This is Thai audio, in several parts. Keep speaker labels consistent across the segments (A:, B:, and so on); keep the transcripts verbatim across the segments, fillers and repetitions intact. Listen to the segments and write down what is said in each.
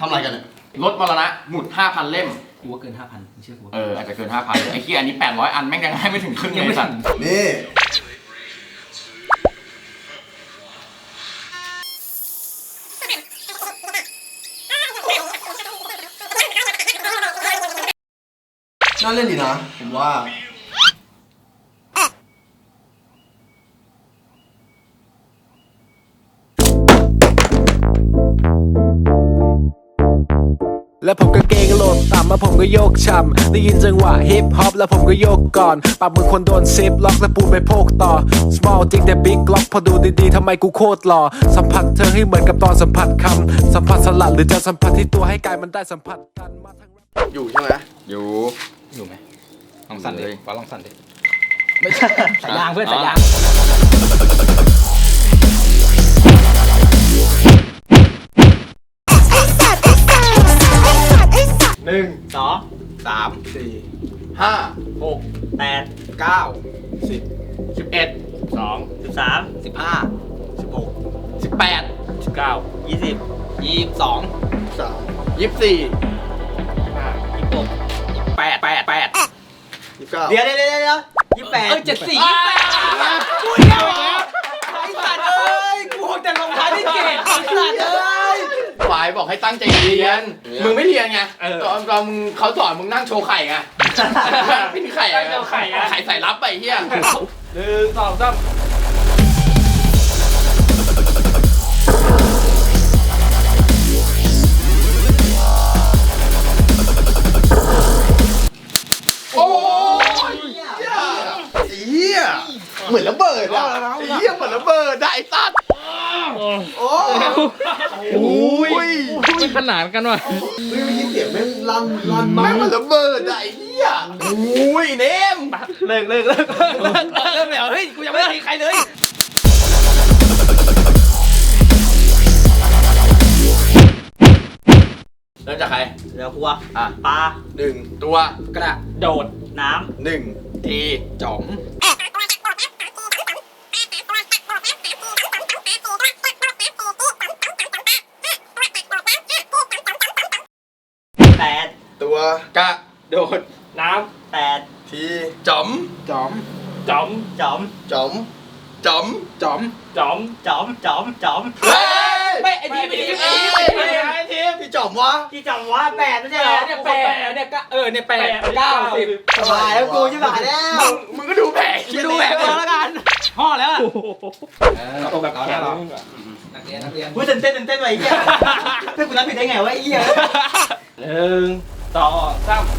A: อะไรกันเนี่ยรถมรณะหมุด ห้าพัน เล่ม
B: กูว่าเกิน ห้าพัน เชื่อกู
A: เอออาจจะเกิน ห้าพัน ไอ้ขี้อันนี้แปดร้อยอันแม่งยังให้ไม่ถึงครึ่งเลยสัตว์
C: นี่น่าเล่นดีนะผมว่า
D: แล้วผมก็เกงโหลดต่ำแล้วผมก็โยกช่ำได้ยินจังหวะฮิปฮอปแล้วผมก็โยกก่อนปากมือคนโดนซิปล็อกแล้วปูนไปโพกต่อ small จริงแต่ big ล็อกพอดูดีๆทำไมกูโคตรหล่อสัมผัสเธอให้เหมือนกับตอนสัมผัสคำสัมผัสสลัดหรือจะสัมผัสที่ตัวให้กายมันได้สัมผัสกันมาทั้ง
C: อยู่ใช่ไหม
A: อยู่
B: อยู่ไหมลองสั่นดิฟ้าลองสั่นดิ
A: ไม่ใช่
B: สายยางเพื่อนสายยาง
A: หนึ่ง
B: สอง
A: สามสี่ห้าหก
B: แปด
A: เก้าสิบสิบเอ็ด
B: สองสิบสาม
A: สิบห้าสิบหกสิบแปด
B: สิบเก้ายี่สิบ
A: ยี่สิบสอง
C: สาม
A: ยี่สิบสี่
B: ยี่สิบห้ายี่สิบหก
A: แปดแปดแปด
C: ยี่สิบเก้า
B: เดี๋ยวเดี๋ยวเดี๋ยวเดี๋ยวยี่สิบแปดเออเจ็ดสี่ยี่สิบแปดกูเดียวไอ้สัตว์เอ้ยกูคงจะลงท้ายที่เจ็ดไอ้สัตว์เอ้ย
A: ฝ่ายบอกให้ตั้งใจเรียนมึงไม่เรียนไงตอนตอนมึงเขาสอนมึงนั่งโชว์ไข่ไงพี่ไข่ไข่ไข่ใส่รับไปเฮียหนึ่งสองสามโอ้ย
C: เฮียเหมือนระเบิดอ่ะเฮียเหมือนระเบิดได้สัตว์โอ้
A: โอ้ย
B: ไม่ขนาดกันว่ะ
C: ไม่ไม่ยินเสียงแม่งลั่นลั่นมา
A: แม่งเหมือนระเบิดได้เฮียโอ้ยเนม
B: เลิกเลิกเลิกเลิกเลิกเลิกเฮ้ยกูยังไม่ได้ใครเลย
A: เริ่มจากใคร
B: เรือพัว
A: อ่ะ
B: ปลา
A: หนึ่งตัว
B: กระโดดน้
A: ำหนึ่งทีจ๋อม
B: แปด
C: ตัว
A: กระโดด
B: น้ำแปด
C: ที
A: จ๋อม
C: จ๋อม
B: จ๋อมจ๋อม
C: จ๋อม
A: จ๋อม
B: จ๋อมจ๋อมจ๋อมจ๋อมจ๋อมไม่ไอ้ทีมไอ้ทีมไอ้ทีมไอ้ทีม
C: พี่จ๋อมวะ
B: พี่จ๋อมวะแปดไม่ใช่เหรอเนี่ยแปดเนี่ยก็เออเนี่ยแปดเก้าสิบ
C: สบายแล้วกูใช่ไหมแล้ว
A: มึงก็ดูแผล
B: ดูแผลก่อนแล้วกันห่อแล้วอ่ะเอาแบบแข็งนักเรียนนักเรียนพูดเต้นเต้นเต้นไว้เหี้ยเพื่อนกูนับผิดได้ไงวะไอ้เหี้ยหนึ่งสองสาม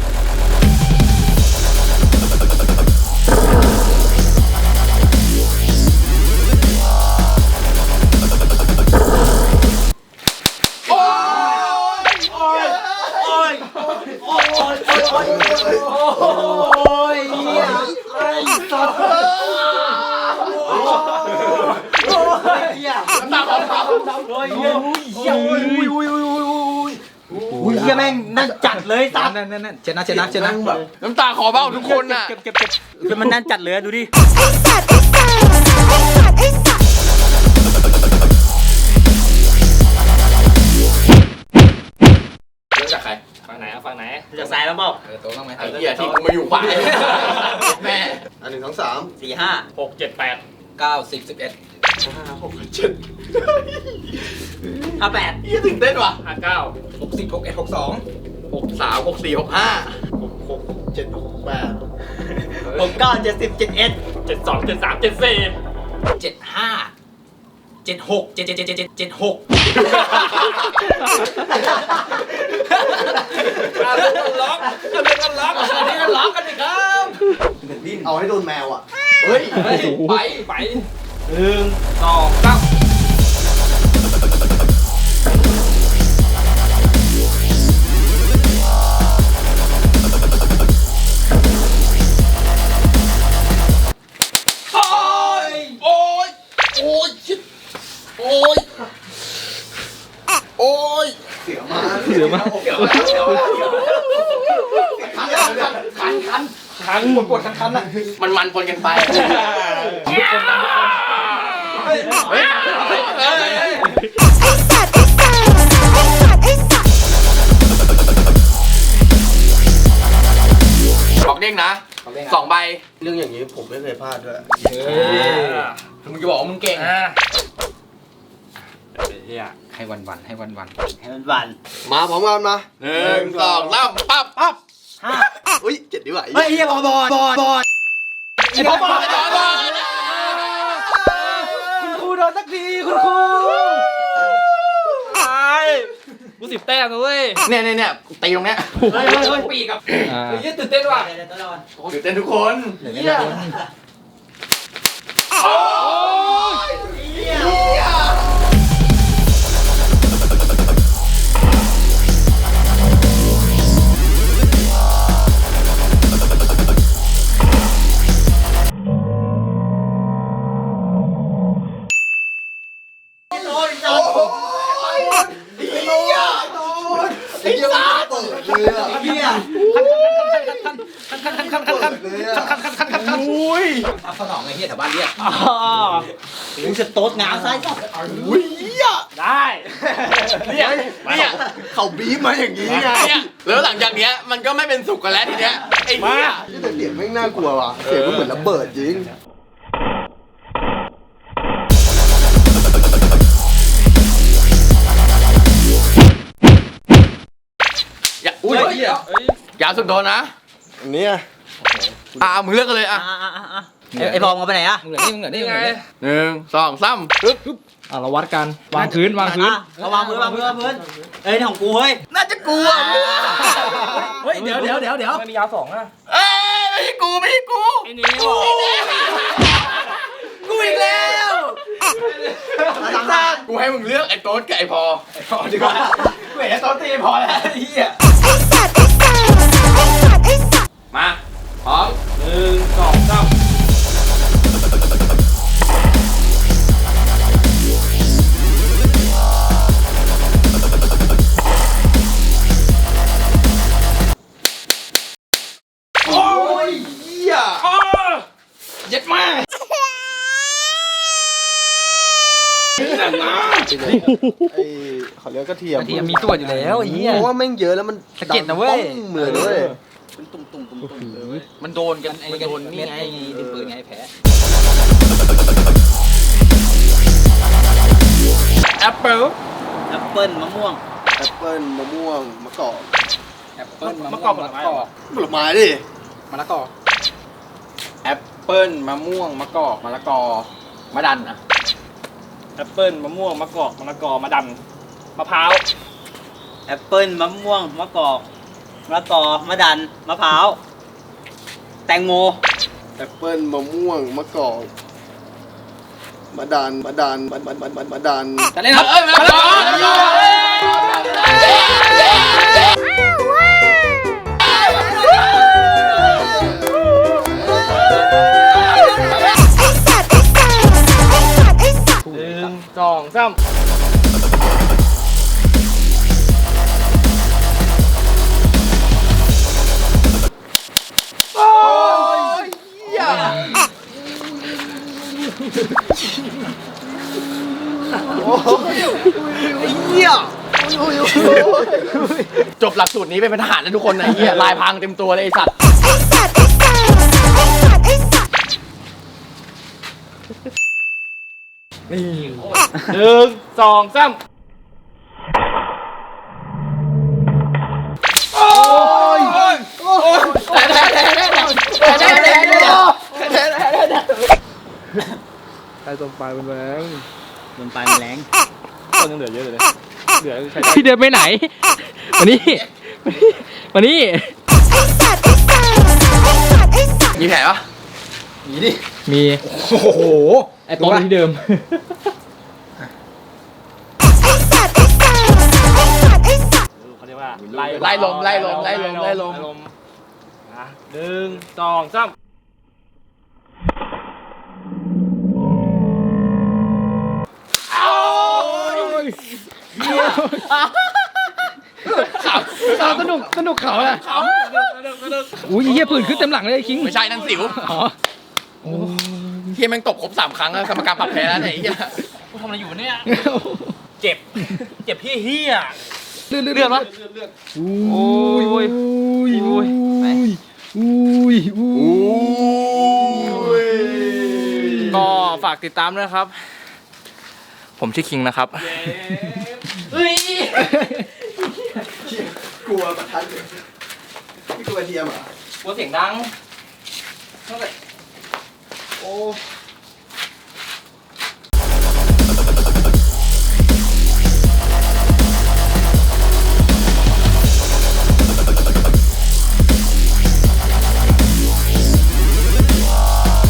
B: อุ้ยเฮียแม่งนั่นจัดเลยสัตว์นั่นนั่นนั่นเชนะเชนะเชนะแบบ
A: น้ำตาขอเบ้าทุกคนน่ะ
B: เก็บเก็บเก็บคือมันนั่นจัดเลยดูดิ
A: เริ่มจากใคร
B: ฝั่งไหนฝั่งไหนจากซ้ายแล้วเปล่า
A: เออโต๊ะต้องไหมไอ้เหี้ยที่กูมาอยู่ขวาแม่
C: อันหนึ่งสองสาม
B: สี่ห้าหกเจ็ดแปด
A: เก้าสิบสิบเอ็ด
C: ห้าหกเจ็ด
B: ห้าแปด
A: ยี่ตื่นเต้นว่ะ
B: ห้าเก้า
A: หกสิบหกเอ็ดหกสองหกสามหกสี่หกห้า
C: หกหกเจ็ดหกแปด
B: หกเก้าเจ็ดสิบเจ็ดเอ็ดเจ็ดสองเจ็ดสามเจ็ดสี่เจ็ดห้าเจ็ดหกเจ็ดเจ็ดเจ็ดเจ็ดเจ็ดหกเอาเรื่องกันล็อกเอาเรื่องกันล็อกอันนี้กันล็อกกันดิครับ
C: เอาให้โดนแมวอ่ะ
A: เฮ้ยไปไป
B: หนึ่งสองสาม
A: โอ้ยโอ้ยโอ้ยชิดโอ้ยโอ้ย
C: เสียมา
B: เสียมา
A: เสียมาเสียมาคันคัน
B: คันปวดปวดคันคันอ่ะ
A: มันมันปนกันไปทุกคนเฮ้ยเฮ้ยงนะสองใบ
C: เรื่องอย่างนี้ผมไม่เคยพลาดด้วย
A: มึงจะบอกว่ามึงเก่ง
B: เฮียให้วันวันให้วันวัน
E: ให้มันวัน
C: มาพร้อมกันมา
A: หนึ่งสองสามปั๊บปั๊บ
E: ห้า
C: อุ้ยเจ็ดดีกว่า
E: เฮ้ยเฮียบอลบอลบอลบอล
A: ไอ้พ่อบอลไอ้บอล
B: คุณครูโดนสักทีคุณครูตายกูสิบแต้มนะเว้ย
A: เนี่ยเนี่ยเนี่ยตีตรงเนี้ย
B: เฮ้ยเฮ้ยเฮ้ยปีกับเฮ้ยตื่นเต้นว่ะ
E: เดี๋ยวตัวละวัน
A: ตื่นเต้นทุกคน
B: เฮีย
A: โอ้ย
C: ไอ้เหี้ยมันเปิดเลยอ่ะ
E: เฮีย
B: คันคันคันคันคันคัน
C: เลยอ่ะ
B: คันคันคันคันคัน
A: อุ้ย
E: รับสนองไอ้เฮียแถวบ้านเรียกมึงจะโต๊ดงามซ้ายสับ
C: อุ้ยเหี้ย
B: ได้
A: เนี่ยเนี่ย
C: เขาบีบมาอย่างนี้ไง
A: เนี่ยแล้วหลังจากเนี้ยมันก็ไม่เป็นสุขกันแล้วทีเนี้ยไอ้เหี้ย
C: นี่แต่เสียงไม่งน่ากลัวว่ะเสียงมันเหมือนระเบิดจริง
A: อย่าอุ้ยอย่าสุดโดนนะ
C: อันเนี้ย
A: อ่ะมึงเลือกกันเลยอ่ะ
E: อ่ะอ่ะอ่ะอ่ะไอ้พองเอาไปไหนอ่ะ
B: มึงเหลือนี่มึงเหลือนี่ไง
A: หนึ่งสองสามปึ๊บ
B: อ่ะเราวัดกันวางพื้นวางพื้น
E: เอาวางพื้นวางพื้นวางพื้นเอ้ยนี่ของกูเฮ้ย
A: น่าจะกูอ่ะ
B: เฮ้ยเดี๋ยวเดี๋ยวเดี๋ยวเดี๋ยวไม่มียาวสองอ่ะ
A: เอ้ยไม่ใช่กูไม่ใช่กู
B: ไอ้นี่
A: กูอีกแล้วกูให้มึงเลือกไอ้โต๊ดกับไอ้พอไอ้พอดีกว่า
B: เว้ยตอนตีพอแล้วไอ้เหี้ย
A: มาพร้อม
B: หนึ่งสองสาม
A: โอ้ยเหี้ยเย็ดมาก
C: ไอ้เขาเรียกกระเทียม
B: กระเทียมมีตัวอยู่แล้วไอ้เหี้ย
C: เพราะว่าแม่งเยอะแล้วมัน
B: สะเก็ดนะเว้ย
C: ดังป้องเลยด้วย
E: ตุ่มตุ่มตุ่มตุ่มเลย
A: มันโดนกันมันโดนนี่ไง
E: ดินปืนไงแผล
A: แอปเปิ้ล
E: แอปเปิ้ลมะม่วง
C: แอปเปิ้ลมะม่วงมะกอก
B: แอปเปิ้ลมะกอกผลไม้
C: ผลไม้ดิ
B: มะละกอ
A: แอปเปิ้ลมะม่วงมะกอกมะละกอมะดันอ่ะ
B: แอปเปิ้ลมะม่วงมะกอกมะละกอมะดันมะพร้าว
E: แอปเปิ้ลมะม่วงมะกอกมะละกอมะดันมะพร้าวแตงโม
C: แอปเปิ้ลมะม่วงมะกอกมะดันมะดันมะมะมะมะมะดัน
B: จะเล่นครับ
A: เอ้ยมะละกอมะละกอ
B: หนึ่งสองสาม
A: โอ้ยเหี้ยจบหลักสูตรนี้เป็นทหารนะทุกคนนะเหี้ยลายพรางเต็มตัวเลยไอ้สัตว์
B: หนึ่งสองสามโอ้ย
A: แต่แต่แต่แต่แต่แต่แต่แต่
B: ใครตรงปลายเป็นแรง
E: บนปลายมันแรง
B: ต้นยังเหลือเยอะเลยเหลือใช้พี่เดินไปไหนมานี่มานี่
A: มีแผลปะ
B: มีดิมีโอ้โหไอ้ต้นที่เดิม เขาเรียกว่าไล่
A: ไล่ลมไล่ลมไล่ลมไล่ลม
B: อ่ะหนึ่งสองสาม
A: ข่าวข่าวสนุกสนุกเขาอะข่าว
B: อุ้ยเฮียปืนขึ้นเต็มหลังเลยไอ้คิง
A: ไม่ใช่นั่นสิว
B: อ๋อ
A: เฮียแม่งตบครบสามครั้งแล้วกรรมการปรับแพ้แล้วไหนเฮีย
B: กูทำอะไรอยู่เนี่ยเจ็บเจ็บเฮี้ยเฮี้ยเลือดเลือดวะโอ้ยโอ้ยโอ้ยไปอุ้ย
A: ากติดตามด้วยนะครับ ผมชื่อคิงนะครับ
B: เฮ้ย
C: กลัวประทัดเลยไม่กลัวเทียมเหรอ่ะ
B: กลัวเสียงดัง
C: โอ้